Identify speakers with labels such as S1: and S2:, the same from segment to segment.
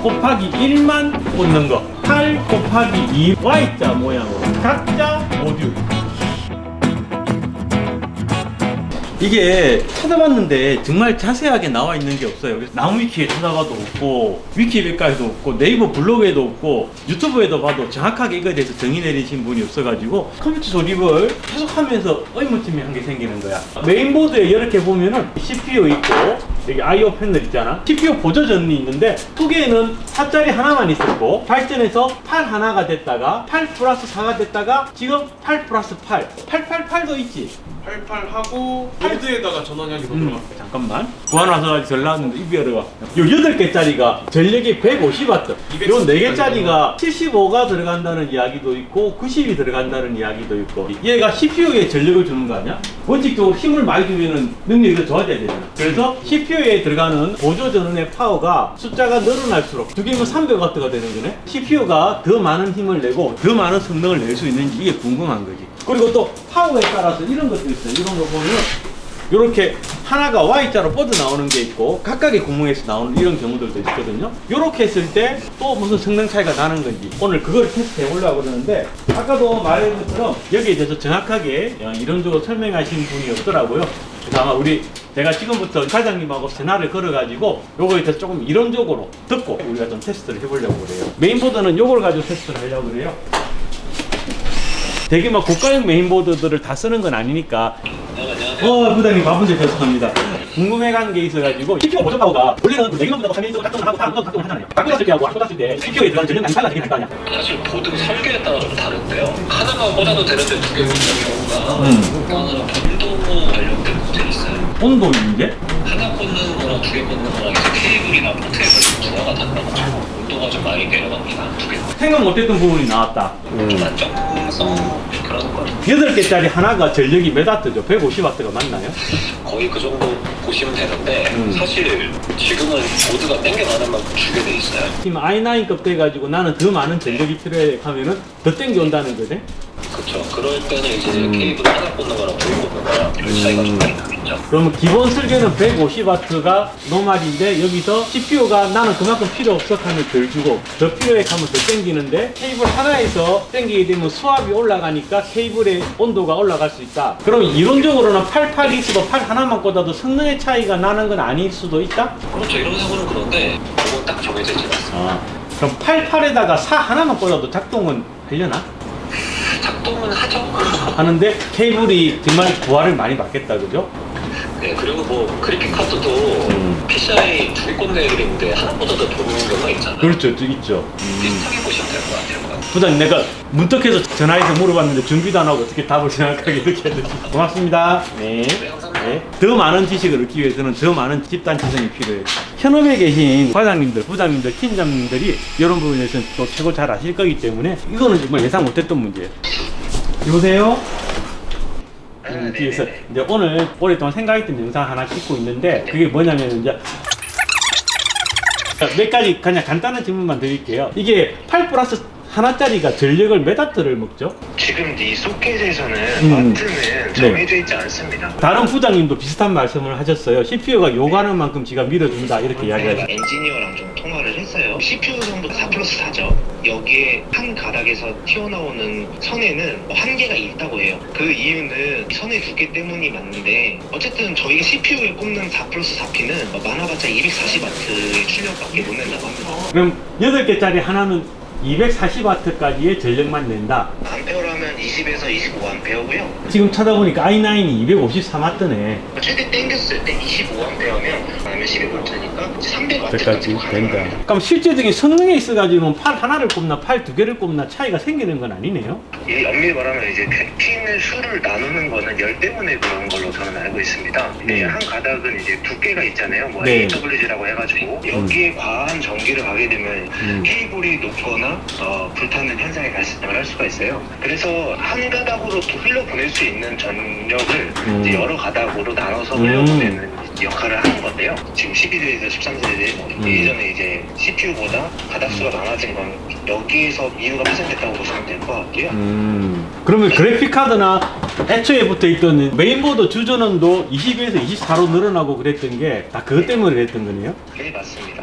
S1: 곱하기 1만 꽂는 거, 8 곱하기 2 Y자 모양으로 각자 모듈. 이게 찾아봤는데 정말 자세하게 나와 있는 게 없어요. 그래서 나무위키에 찾아봐도 없고, 위키백과에도 없고, 네이버 블로그에도 없고, 유튜브에도 봐도 정확하게 이거에 대해서 정의 내리신 분이 없어가지고 컴퓨터 조립을 계속 하면서 의문점이 한 게 생기는 거야. 메인보드에 이렇게 보면은 CPU 있고, 여기 I/O 패널 있잖아. CPU 보조전이 있는데 두 개는 4짜리 하나만 있었고, 발전해서 8 하나가 됐다가 8 플러스 4가 됐다가 지금 8 플러스 8, 888도 있지.
S2: 88하고 보드에다가 전원량이 더 들어갔어요.
S1: 잠깐만. 구하나서 절 나왔는데 입이 어려워. 요 8개짜리가 전력이 150W. 요 4개짜리가 75가 들어간다는 이야기도 있고 90이 들어간다는 이야기도 있고, 얘가 CPU에 전력을 주는 거 아니야? 원칙적으로 힘을 많이 주면은 능력이 더 좋아져야 되잖아. 그래서 CPU에 들어가는 보조 전원의 파워가 숫자가 늘어날수록 두 개면 300W가 되는 거네. CPU가 더 많은 힘을 내고 더 많은 성능을 낼 수 있는지 이게 궁금한 거지. 그리고 또 파워에 따라서 이런 것도 있어요. 이런 거 보면 이렇게 하나가 Y자로 뻗어 나오는 게 있고 각각의 구멍에서 나오는 이런 경우들도 있거든요. 이렇게 했을 때 또 무슨 성능 차이가 나는 건지 오늘 그걸 테스트 해보려고 그러는데, 아까도 말한 것처럼 여기에 대해서 정확하게 이론적으로 설명하신 분이 없더라고요. 그래서 아마 제가 지금부터 과장님하고 전화를 걸어가지고 요거에 대해서 조금 이론적으로 듣고 우리가 좀 테스트를 해보려고 그래요. 메인보드는 요걸 가지고 테스트를 하려고 그래요. 되게 막 고가형 메인보드들을 다 쓰는 건 아니니까. 부장님 바쁜데 죄송합니다. 궁금해간 게 있어가지고, CPU 보조 파워가 원래는 그 내기만 보다고 3인승을 작동을 하고 다른 건 작동을 하잖아요. 바꾸었을 때하고 안 꽂았을 때 CPU에 들어간 전력 양이 달라지게 될 거 아니야.
S3: 사실 보드 설계에 따라 좀 다른데요. 하나만 꽂아도 되는데 두 개 꽂는 경우가 하나는 온도 관련된 문제 있어요.
S1: 온도 문제?
S3: 하나 꽂는 거랑 두 개 꽂는 거랑 이제 케이블이나 포트에 조화가 달라가지고 온도가 좀 많이 내려갑니다. 두 개.
S1: 생각 못했던 부분이 나왔다.
S3: 좀 안정성 그런 거.
S1: 8개짜리 하나가 전력이 몇 와트죠? 150W가 맞나요?
S3: 거의 그 정도 보시면 되는데 사실 지금은 보드가 땡겨가는 만큼 주게 돼 있어요.
S1: 지금 i9급 돼가지고 나는 더 많은 전력이 필요해 하면은 더 땡겨온다는 거네?
S3: 그렇죠. 그럴 때는 이제 케이블 하나 꽂는 거랑 두 개 꽂는 거랑 별 차이가 좀 많이 나겠죠.
S1: 그러면 기본 설계는 150W가 노말인데 여기서 CPU가 나는 그만큼 필요 없어 하면 덜 주고 더 필요해 하면 더 땡기는데, 케이블 하나에서 땡기게 되면 수압이 올라가니까 케이블의 온도가 올라갈 수 있다. 그럼 이론적으로는 88이 있어도 8 하나만 꽂아도 성능의 차이가 나는 건 아닐 수도 있다?
S3: 그렇죠. 이론상으로는 그런데 그건 딱 정해져 있지 않습니다.
S1: 그럼 88에다가 4 하나만 꽂아도 작동은 하려나?
S3: 작동은 하죠.
S1: 하는데 케이블이 정말 부하를 많이 받겠다, 그죠?
S3: 네, 그리고 뭐 그래픽 카드도 PCI 두 개 꽂는 애들이 있는데 하나보다 더 좋은 경우가 있잖아요.
S1: 그렇죠, 있죠.
S3: 비슷하게 보시면 될 것 같아요.
S1: 부장님, 내가 문득해서 전화해서 물어봤는데 준비도 안 하고 어떻게 답을 정확하게 이렇게 해야 되지? 고맙습니다. 네. 네. 더 많은 지식을 얻기 위해서는 더 많은 집단 지성이 필요해요. 현업에 계신 과장님들, 부장님들, 팀장님들이 이런 부분에서는 또 최고 잘 아실 거기 때문에 이거는 정말 예상 못했던 문제예요. 여보세요? 뒤에서 이제 오늘 오랫동안 생각했던 영상 하나 찍고 있는데, 그게 뭐냐면 이제 몇 가지 그냥 간단한 질문만 드릴게요. 이게 8 플러스 하나짜리가 전력을 몇 와트를 먹죠?
S4: 지금 이 소켓에서는 와트는 정해져 있지 않습니다.
S1: 다른 부장님도 비슷한 말씀을 하셨어요. CPU가 요구하는 만큼 지가 밀어준다 이렇게 이야기하셨어요.
S4: 엔지니어랑 좀 통화를 했어요. CPU 정도 4 플러스 4죠. 여기에 한 가닥에서 튀어나오는 선에는 한계가 있다고 해요. 그 이유는 선의 두께 때문이 맞는데, 어쨌든 저희가 CPU에 꼽는 4 플러스 4P는 많아봤자 240W의 출력밖에 못 낸다고 합니다.
S1: 그럼 8개짜리 하나는 240W까지의 전력만 낸다.
S4: 암페어라면 20에서 25A고요.
S1: 지금 찾아보니까 i9이 253W네.
S4: 최대 땡겼을 때 25A면 아니면 12V니까 300W까지
S1: 까지 된다. 그럼 실제적인 성능에 있어가지고는 팔 하나를 꼽나 팔 두 개를 꼽나 차이가 생기는 건 아니네요.
S4: 이 엄밀히 말하면 이제 핀의 수를 나누는 거는 열 때문에 그런 걸로 저는 알고 있습니다. 이제 한 가닥은 이제 두께가 있잖아요. 뭐
S1: 네.
S4: AWG라고 해가지고 여기에 과한 전기를 가게 되면 케이블이 녹거나 불타는 현상이 발생을 할 수가 있어요. 그래서 한 가닥으로 또 흘려보낼 수 있는 전력을 이제 여러 가닥으로 나눠서 흘려보내는 역할을 하는 건데요. 지금 12세대에서 13세대 예전에 이제 CPU보다 가닥수가 많아진 건 여기에서 이유가 발생됐다고 보시면 될 것 같고요.
S1: 그러면 그래픽 카드나 애초에 붙어 있던 메인보드 주전원도 22에서 24로 늘어나고 그랬던 게 다 그것 때문에 그랬던 거네요.
S4: 네, 맞습니다.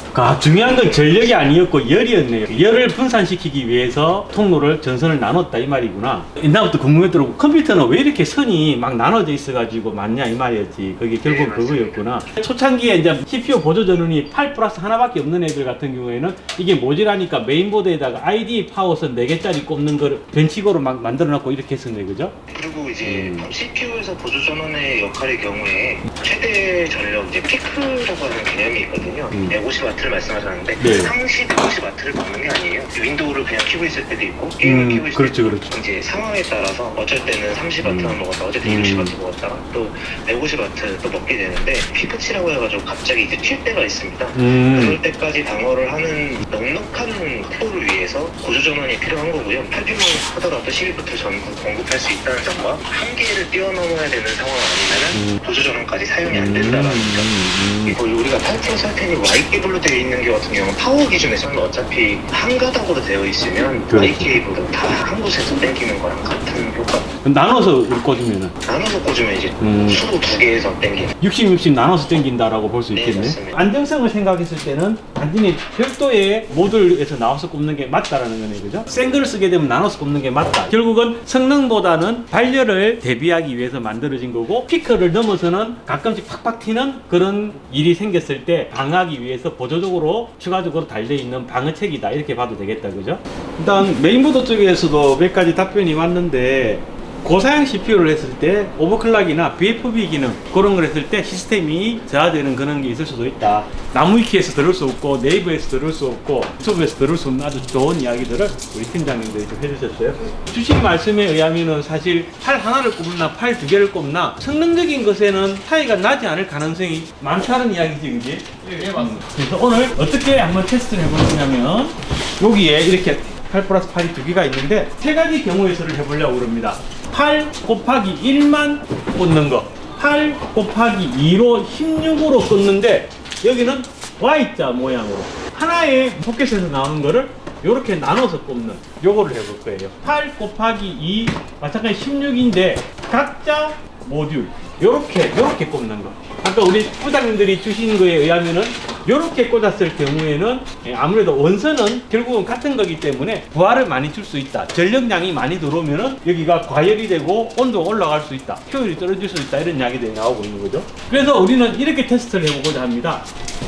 S1: 중요한 건 전력이 아니었고 열이었네요. 열을 분산시키기 위해서 통로를 전선을 나눴다 이 말이구나. 옛날부터 궁금했더라고. 컴퓨터는 왜 이렇게 선이 막 나눠져 있어가지고 많냐 이 말이었지. 그게 결국
S4: 네,
S1: 그거였구나. 초창기에 이제 CPU 보조 전원이 8 플러스 하나밖에 없는 애들 같은 경우에는 이게 모자라니까 메인보드에다가 ID 파워선 4개짜리 꼽는 거를 벤치고로 막 만들어놨고 이렇게 했었네, 그죠?
S4: 그리고 이제 CPU에서 보조 전원의 역할의 경우에 최대 전력 이제 피크라고 하는 개념이 있거든요. 150W를 말씀하셨는데
S1: 네.
S4: 상시 150W를 먹는 게 아니에요. 윈도우를 그냥 키고 있을 때도 있고 게임을 키고 있을
S1: 그렇죠,
S4: 때도
S1: 그렇죠.
S4: 있고 이제 상황에 따라서 어쩔 때는 30W만 먹었다, 어쩔 때 60W 먹었다가 또 150W 또 먹게 되는데 피크치라고 해가지고 갑자기 이제 튈 때가 있습니다. 그럴 때까지 방어를 하는 넉넉한 프로를 위해서 보조 전원이 필요한 거고요. 8핀만 하더라도 12V 전구 공급할 수 있다는 점과 한계를 뛰어넘어야 되는 상황 아니면은 보조 전원까지 사용이 안 된다라는 점. 그리고 우리가 8프로 설텐이 Y 케이블로 되어 있는 게 같은 경우는 파워 기준에서는 어차피 한 가닥으로 되어 있으면
S1: 그렇죠.
S4: Y 케이블은 다 한 곳에서 당기는 거랑 같은 효과.
S1: 나눠서 꽂으면은
S4: 나눠서 꽂으면 이제 수로 두 개에서 당기는.
S1: 60, 60 나눠서 당긴다라고 볼 수
S4: 네,
S1: 있겠네.
S4: 맞습니다.
S1: 안정성을 생각했을 때는 단순히 별도의 모듈에서 나와서 꼽는 게 맞다라는 거네, 그죠? 생글을 쓰게 되면 나눠서 꼽는 게 맞다. 결국은 성능보다는 발열을 대비하기 위해서 만들어진 거고, 피크를 넘어서는 가끔씩 팍팍 튀는 그런 일이 생겼을 때 방어하기 위해서 보조적으로 추가적으로 달려 있는 방어책이다, 이렇게 봐도 되겠다, 그죠? 일단 메인보드 쪽에서도 몇 가지 답변이 왔는데, 고사양 CPU를 했을 때 오버클락이나 VFB 기능 그런 걸 했을 때 시스템이 저하되는 그런 게 있을 수도 있다. 나무위키에서 들을 수 없고 네이버에서 들을 수 없고 유튜브에서 들을 수 없는 아주 좋은 이야기들을 우리 팀장님들이 좀 해주셨어요. 주신 말씀에 의하면은 사실 팔 하나를 꼽나 팔 두 개를 꼽나 성능적인 것에는 차이가 나지 않을 가능성이 많다는 이야기지, 그지?
S2: 예, 맞습니다.
S1: 그래서 오늘 어떻게 한번 테스트를 해보냐면 여기에 이렇게 8 플러스 8이 두 개가 있는데 세 가지 경우의 수를 해보려고 그럽니다. 8 곱하기 1만 꽂는 거, 8 곱하기 2로 16으로 꽂는데 여기는 Y자 모양으로 하나의 포켓에서 나오는 거를 이렇게 나눠서 꼽는 요거를 해볼 거예요. 8 곱하기 2 마찬가지 16인데 각자 모듈 요렇게 꼽는 거. 아까 우리 부장님들이 주신 거에 의하면은 요렇게 꽂았을 경우에는 아무래도 원선은 결국은 같은 거기 때문에 부하를 많이 줄 수 있다. 전력량이 많이 들어오면은 여기가 과열이 되고 온도가 올라갈 수 있다. 효율이 떨어질 수 있다. 이런 이야기들이 나오고 있는 거죠. 그래서 우리는 이렇게 테스트를 해보고자 합니다.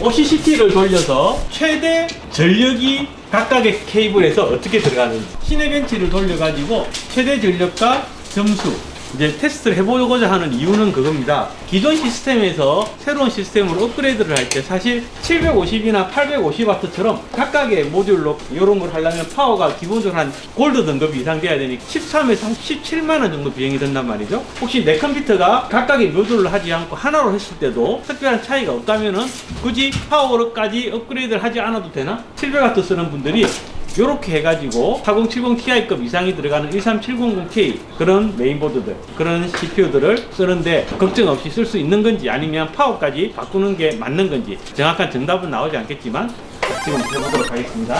S1: OCCT를 돌려서 최대 전력이 각각의 케이블에서 어떻게 들어가는지 시네벤치를 돌려가지고 최대 전력과 점수 이제 테스트를 해보고자 하는 이유는 그겁니다. 기존 시스템에서 새로운 시스템으로 업그레이드를 할 때 사실 750이나 850W처럼 각각의 모듈로 이런 걸 하려면 파워가 기본적으로 한 골드 등급 이상 돼야 되니 13에서 한 17만원 정도 비용이 든단 말이죠. 혹시 내 컴퓨터가 각각의 모듈을 하지 않고 하나로 했을 때도 특별한 차이가 없다면은 굳이 파워로까지 업그레이드를 하지 않아도 되나? 700W 쓰는 분들이 요렇게 해가지고 4070ti급 이상이 들어가는 13700K 그런 메인보드들 그런 CPU들을 쓰는데 걱정 없이 쓸 수 있는 건지 아니면 파워까지 바꾸는 게 맞는 건지 정확한 정답은 나오지 않겠지만 지금 해보도록 하겠습니다.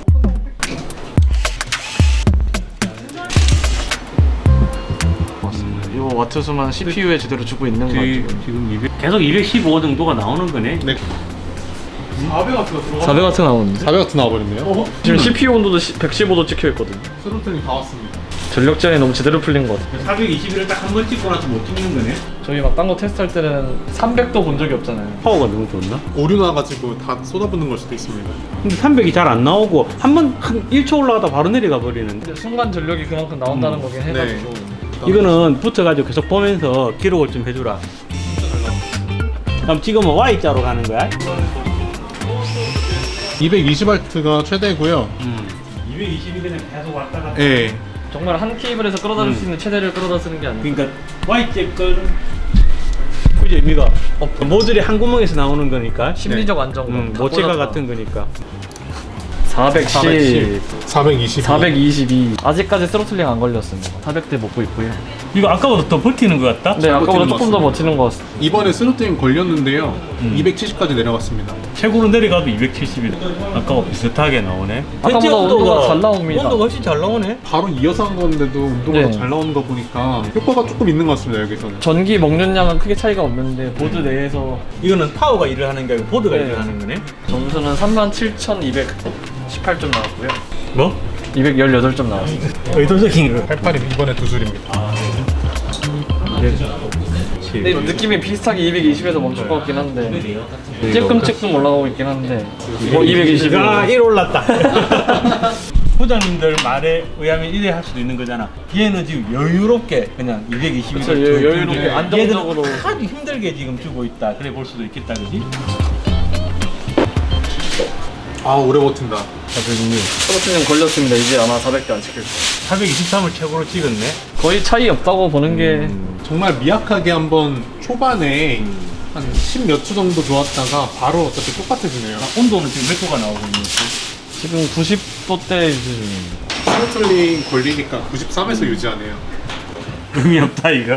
S2: 이 와트 수만 CPU에 제대로 주고 있는 거 같아요.
S1: 지금 200, 계속 215 정도가 나오는 거네.
S2: 네. 400W가 들어가.
S5: 400W 나오는데
S6: 400W 나와버렸네요.
S5: 지금 CPU 온도도 115도 찍혀 있거든요.
S2: 스로틀링 다 왔습니다.
S5: 전력 제한이 너무 제대로 풀린 것 같아요.
S1: 421을 딱 한 번 찍고 나서 못 찍는 거네.
S5: 저희 막 딴 거 테스트할 때는 300도 본 적이 없잖아요.
S1: 파워가 너무 좋나?
S6: 오류 나가지고 다 쏟아붓는 걸 수도 있습니다.
S1: 근데 300이 잘 안 나오고 한 1초 올라가다 바로 내려가 버리는데
S5: 근데 순간 전력이 그만큼 나온다는 거긴 해가지고
S1: 이거는 붙여가지고 계속 보면서 기록을 좀 해주라. 그럼 지금은 Y자로 가는 거야?
S6: 220W가 최대고요.
S1: 220이 그냥 계속 왔다 갔다.
S6: 예.
S5: 정말 한 케이블에서 끌어다 쓸 수 있는 최대를 끌어다 쓰는 게 아니고
S1: 그러니까 Y자 거는 굳이 의미가 모듈이 한 구멍에서 나오는 거니까
S5: 심리적 안정감
S1: 모체가 같은 거니까
S5: 410,
S6: 420.
S5: 422. 아직까지 스로틀링 안 걸렸습니다. 400대 먹고 있고요.
S1: 이거 아까보다 더 버티는 것 같다?
S5: 네, 아까보다
S6: 버티는
S5: 조금
S6: 것
S5: 더 버티는 것 같습니다.
S6: 이번에 스로틀링 걸렸는데요. 270까지 내려갔습니다.
S1: 최고로 내려가도 270이다. 아까와 비슷하게 나오네.
S5: 아까보다
S1: 현재
S5: 온도가 잘 나옵니다.
S1: 온도가 훨씬 잘 나오네.
S6: 바로 이어서 한 건데도 운동가
S5: 네.
S6: 잘 나오는 거 보니까 효과가 조금 있는 것 같습니다, 여기서는.
S5: 전기 먹는 양은 크게 차이가 없는데 보드 내에서
S1: 이거는 파워가 일을 하는 게 아니고 보드가
S5: 네.
S1: 일을 하는 거네.
S5: 점수는 37,218점 나왔고요.
S1: 뭐?
S5: 218점 나왔습니다.
S1: 의도적인 거.
S6: 88이 이번에 두 줄입니다.
S5: 근데 느낌이 비슷하게 220에서 멈출 것 같긴 한데 찔끔찔끔 올라가고 있긴 한데 220.
S1: 아, 1 올랐다. 부장님들 말에 의하면 이래 할 수도 있는 거잖아. 얘는 지금 여유롭게 그냥 220을
S5: 그쵸, 여유롭게 안정적으로.
S1: 아주 힘들게 지금 주고 있다. 그래 볼 수도 있겠다, 그지?
S6: 아, 오래 버틴다.
S5: 스로틀링 걸렸습니다. 이제 아마 400대 안 찍힐 거예요.
S1: 423을 최고로 찍었네.
S5: 거의 차이 없다고 보는 게
S6: 정말 미약하게 한번 초반에 한 10 몇 초 정도 좋았다가 바로 어차피 똑같아지네요.
S1: 온도는 지금 몇 도가 나오고 있는
S5: 지금 90도대 유지 중입니다.
S6: 스로틀링 걸리니까 93에서 유지하네요.
S1: 의미 없다, 이거.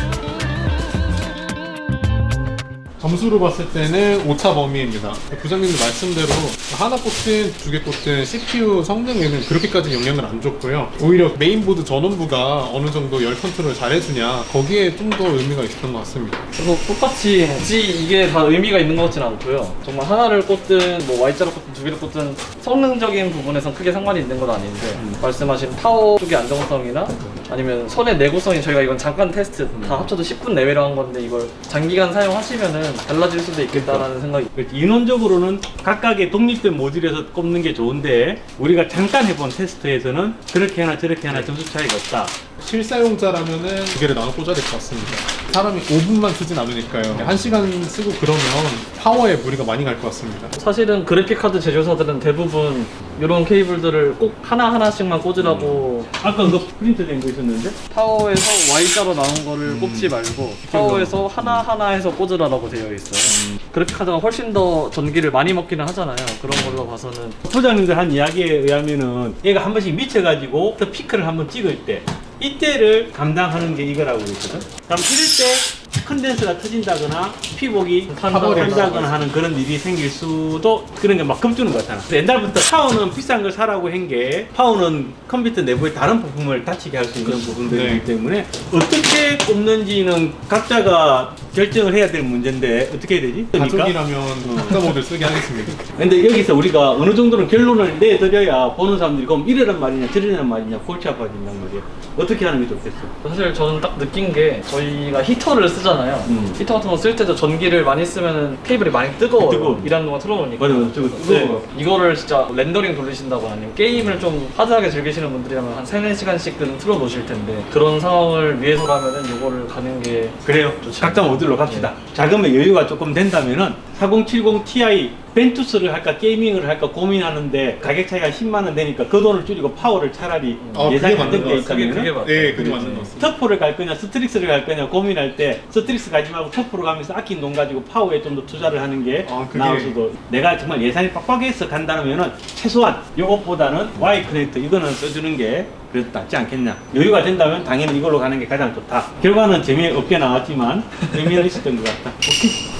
S6: 점수로 봤을 때는 오차 범위입니다. 부장님들 말씀대로 하나 꽂든 두 개 꽂든 CPU 성능에는 그렇게까지 영향을 안 줬고요. 오히려 메인보드 전원부가 어느 정도 열 컨트롤을 잘 해주냐 거기에 좀 더 의미가 있었던 것 같습니다.
S5: 그래서 똑같이 굳이 이게 다 의미가 있는 것 같지는 않고요. 정말 하나를 꽂든 뭐 Y자로 꽂든 두 개를 꽂든 성능적인 부분에선 크게 상관이 있는 건 아닌데 말씀하신 파워 쪽의 안정성이나 아니면 선의 내구성이 저희가 이건 잠깐 테스트 다 합쳐도 10분 내외로 한 건데 이걸 장기간 사용하시면은 달라질 수도 있겠다라는 생각이.
S1: 그렇지. 인원적으로는 각각의 독립된 모듈에서 꼽는 게 좋은데 우리가 잠깐 해본 테스트에서는 그렇게 하나 저렇게 하나 점수 차이가 없다.
S6: 실사용자라면은 두 개를 나눠 꽂아야 될 것 같습니다. 사람이 5분만 쓰진 않으니까요. 1시간 쓰고 그러면 파워에 무리가 많이 갈 것 같습니다.
S5: 사실은 그래픽카드 제조사들은 대부분 이런 케이블들을 꼭 하나하나씩만 꽂으라고
S1: 아까 그거 프린트된 거 있었는데?
S5: 파워에서 Y자로 나온 거를 꼽지 말고 파워에서 하나하나 해서 꽂으라고 되어 있어요. 그래픽카드가 훨씬 더 전기를 많이 먹기는 하잖아요. 그런 걸로 봐서는
S1: 부장님들 한 이야기에 의하면은 얘가 한 번씩 미쳐가지고 더 피크를 한번 찍을 때 이때를 감당하는 게 이거라고 그랬거든. 그럼 이럴 때 컨덴서가 터진다거나 피복이 탄다거나 하는 그런 일이 생길 수도 그런 게 막 겁주는 것 같아. 옛날부터 파워는 비싼 걸 사라고 한 게 파워는 컴퓨터 내부의 다른 부품을 다치게 할 수 있는 부분들이기
S6: 네.
S1: 때문에 어떻게 꼽는지는 각자가 결정을 해야 될 문제인데 어떻게 해야 되지?
S6: 가족이라면 각자 모델 쓰게 하겠습니다.
S1: 근데 여기서 우리가 어느 정도는 결론을 내드려야 보는 사람들이 그럼 이래란 말이냐 저래란 말이냐 골치 아파진단 말이야. 어떻게 하는 게 좋겠어?
S5: 사실 저는 딱 느낀 게 저희가 히터를 쓰잖아요. 히터 같은 거 쓸 때도 전기를 많이 쓰면 케이블이 많이 뜨거워요.
S1: 뜨거워.
S5: 일하는 동안 틀어놓으니까.
S1: 맞아, 저거 뜨거워.
S5: 네. 이거를 진짜 렌더링 돌리신다거나 아니면 게임을 좀 하드하게 즐기시는 분들이라면 한 3-4시간씩은 틀어놓으실 텐데 그런 상황을 위해서라면은 이거를 가는 게
S1: 그래요.
S5: 좋죠.
S1: 각자 모듈로 갑시다. 자금의 여유가 조금 된다면은 4070 Ti 벤투스를 할까 게이밍을 할까 고민하는데 가격 차이가 10만 원 되니까 그 돈을 줄이고 파워를 차라리 예산이
S6: 그게 맞는
S1: 한정돼
S6: 것 같습니다.
S1: 있다면
S5: 맞아요.
S6: 네, 그게 맞는 것 같습니다.
S1: 터프를 갈 거냐 스트릭스를 갈 거냐 고민할 때 스트릭스 가지 말고 터프로 가면서 아낀 돈 가지고 파워에 좀 더 투자를 하는 게
S6: 그게-
S1: 나을 수도. 내가 정말 예산이 빡빡해서 간다면은 최소한 이것보다는 Y 커넥터 이거는 써주는 게 그래도 낫지 않겠냐. 여유가 된다면 당연히 이걸로 가는 게 가장 좋다. 결과는 재미없게 나왔지만 의미는 있었던 것 같다. 오케이.